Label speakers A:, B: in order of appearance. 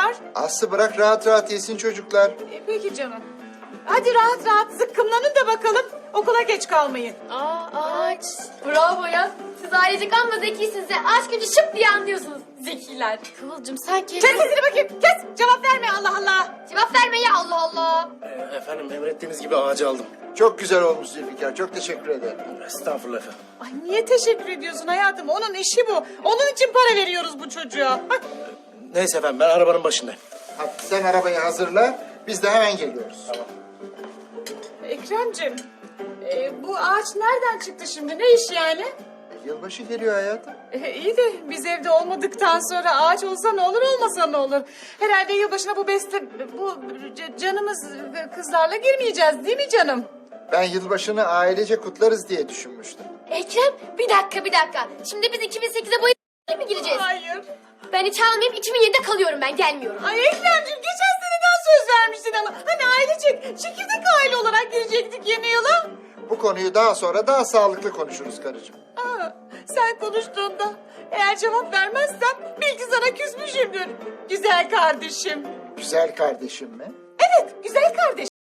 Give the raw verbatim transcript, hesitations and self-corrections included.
A: var.
B: Aslı bırak rahat rahat yesin çocuklar.
A: E, peki canım. Hadi rahat rahat zıkkımlanın da bakalım. Okula geç kalmayın.
C: Aa, ağaç. Bravo ya. Siz ailecek amma zekisiniz ya. Aşk gücü şıp diye anlıyorsunuz. Zekiler. Kıvılcım sen
A: Kes
C: kendin...
A: sesini bakayım. Kes. Cevap verme Allah Allah.
C: Cevap verme ya Allah Allah.
D: Ee, efendim emrettiğiniz gibi ağacı aldım.
B: Çok güzel olmuş Zülfikar. Çok teşekkür ederim.
D: Estağfurullah efendim.
A: Ay niye teşekkür ediyorsun hayatım? Onun işi bu. Onun için para veriyoruz bu çocuğa. Hah.
D: Neyse efendim ben arabanın başındayım.
B: Hadi sen arabayı hazırla. Biz de hemen geliyoruz. Tamam.
A: Ekrem'cim. e, bu ağaç nereden çıktı şimdi? Ne iş yani?
B: Yılbaşı geliyor hayatım.
A: E, iyi de biz evde olmadıktan sonra ağaç olsa ne olur olmasa ne olur? Herhalde yılbaşına bu beste bu c- canımız kızlarla girmeyeceğiz değil mi canım?
B: Ben yılbaşını ailece kutlarız diye düşünmüştüm.
C: Ekrem bir dakika bir dakika. Şimdi biz iki bin sekize bu mi gireceğiz?
A: Hayır.
C: Ben hiç almayayım iki bin yedide kalıyorum ben gelmiyorum.
A: Ay Ekrem'cim geçen seneden söz vermiştin ama hani ailecek çekirdek aile olarak girecektik yeni yıla.
B: Bu konuyu daha sonra daha sağlıklı konuşuruz karıcığım.
A: Aa, sen konuştuğunda eğer cevap vermezsem bil ki sana küsmüşümdür. Güzel kardeşim.
B: Güzel kardeşim mi?
A: Evet güzel kardeşim.